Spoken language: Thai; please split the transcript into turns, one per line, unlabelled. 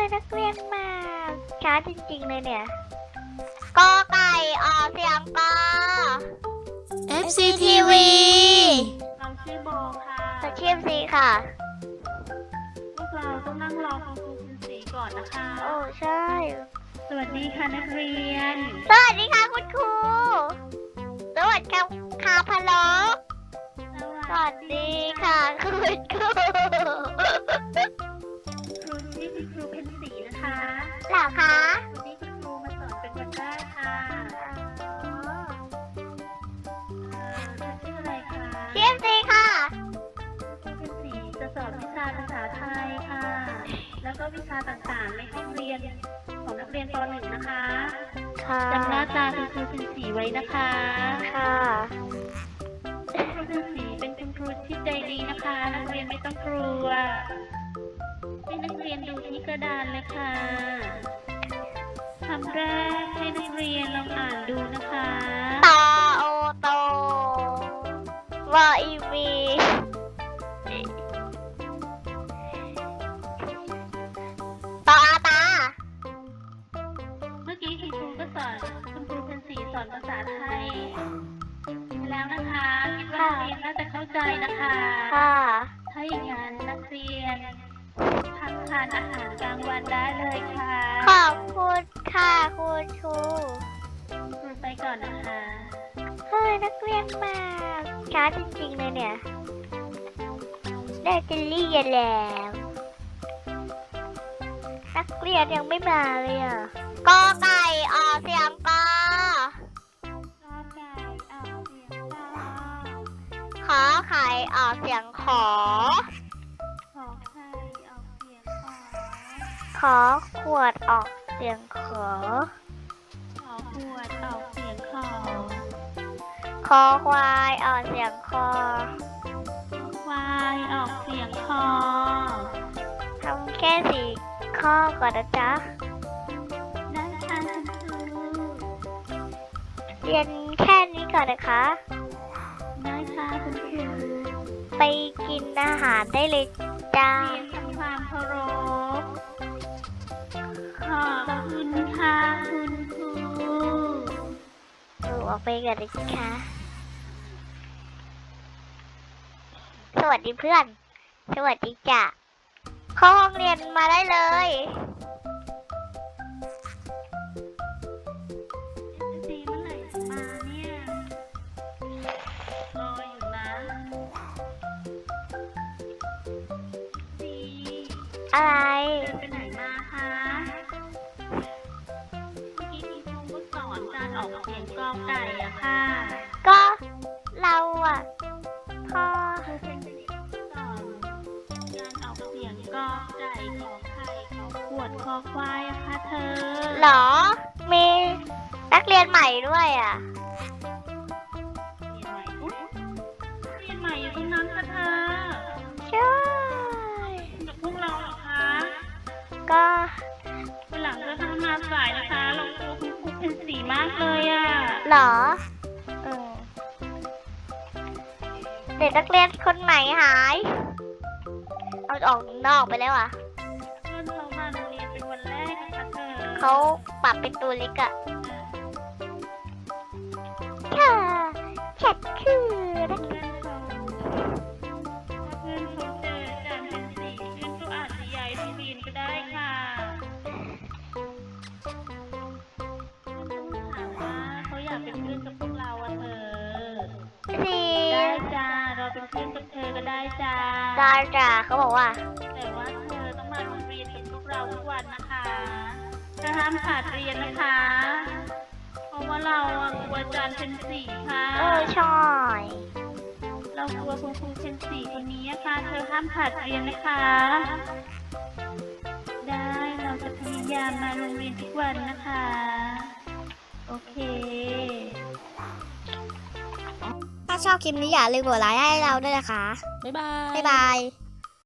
นักเรียนมาช้าจริงๆเลยเนี่ยกอไก่ออกเสียงกอ
FCTV
เราชื่อโบค่ะ
สชีพสีค่ะ
พวกเราต้องนั่งรอคุณครูคุณสีก่อนนะคะ
โอ้ใช่
สวัสดีค่ะนักเรียน
สวัสดีค่ะคุณครูสวัสดีค่ะคาพะโลสวัสดีค่ะคุณครู
ครูชื่อคุณครูเพ็ญศรีนะคะ
เหรอคะ
วันนี้คุณครูมาสอนเป็นวันแรกค่ะเธอชื่ออะไรคะ
ชีพสีค่ะ
ครูเพ็ญศรีจะสอนวิชาภาษาไทยค่ะ แล้วก็วิชาต่างๆในห้องเรียนของนักเรียนป .1 นะคะ
ค่ะ
จำหน้าตาคุณครูเพ็ญศรีไว้นะคะ
ค่ะ
คุณครูสีเป็นคุณครูที่ใจดีนะคะ นักเรียนไม่ต้องกลัวให้นักเรียนดูที่กระดานเลยค่ะคำแรกให้นักเรียนลองอ่านดูนะคะ
ตอโอโตวออีวีตออาตา
เมื่อกี้คุณครูก็สอนคุณครูเป็นสีสอนภาษาไทยแล้วนะคะคิดว่านักเรียนน่าจะเข้าใจนะคะ
ค่ะ
ถ้าอย่างนั้นนักเรียนพักทานอาหารกลางวันได้เลยค่ะ
ขอบคุณค่ะคุณครู
ครูไปก่อนนะคะ
เฮ้ยนักเรียนมาช้าจริงๆเลยเนี่ยได้จะเรียนแล้วนักเรียนยังไม่มาเลยอ่ะกอไก่ออกเสียงกอ
รอไก่เอาเสียงค่ะ
ขอไข่ออกเสียงขอ
ขอไข่เอาเสียงขอ
ขอขวดออกเสียงขอ
ขอขวดออกเสียงขอ
คอควายออกเสียงคอ
ควายออกเสียงคอ
ทำแค่สี่ข้อก่อนนะจ๊ะ
ได้ค่ะคุณครู
เรียนแค่นี้ก่อนนะคะ
ได้ค่ะคุณครู
ไปกินอาหารได้เลยจ้า
เรียนทำความเคารพขอบคุณค่ะคุณครู
ออกไปกันเลยค่ะ สวัสดีเพื่อน สวัสดีจ้ะเข้าห้องเรียนมาได้เลย
ซีเมื่อไหร่จะมาเนี่ย รออยู่นะซี
อะไร
เดินไปไหนมาคะเมื่อกี้ที่ครูก็สอนการออกเสียงกอไก่อะค่ะ
ก็เราอ่ะพ่อ
ครูเป็นสอนการออกเสียงกอไก่ขอไข่ขอขวดคอควายอะค่ะเธอ
เหรอ มีนักเรียนใหม่ด้วยอ่ะ
เรียนใหม่อุ๊ยเรียนใหม่อยู่ตรงนั้นค่ะเธอ
ใช่
กับพวกเราเหรอคะ
ก็
วันหลังจะทำมาสายนะคะเราครูคุณครูเป็นสีมากเลยอะ
เหรอเด็กนักเรียนคนใหม่หาย เอาออกนอกไปแล้วอ่ะ
เพื่อนเรามาโรงเรียนเป็นวันแรกนะคะเธอ
เขาปรับเป็นตัวเล็กอะค่ะฉันคือนัก
เพื่อนเขาถ้าเพื่อนเขาเจออาจารย์เป็นสีเพื่อนก็อาจจะย้ายโรงเรียนก็ได้ค่ะถามว่าเขาอยากเป็นเพื่อนกับพวกเราอะเธอ
สี
ได้จ้าเราเป็นเพื่อนกับเธอก็ได้จ้า
ดาจ่าเขาบอกว่า
แต่ว่าเธอต้องมาโรงเรียนกับพวกเราทุกวันนะคะถ้าห้ามขาดเรียนนะคะ เพราะว่าเราอะกลัวอาจารย์เป็นสีค่ะ
ใช่
เรากลัวคุณครูเป็นสีคนนี้อะค่ะ เธอห้ามขาดเรียนนะคะ ได้เราจะพยายามมาโรงเรียนทุกวันนะคะ โอเค
ถ้าชอบคลิปนี้อย่าลืมกดไลค์ให้เราด้วยนะคะ
บ๊ายบาย
บ๊ายบาย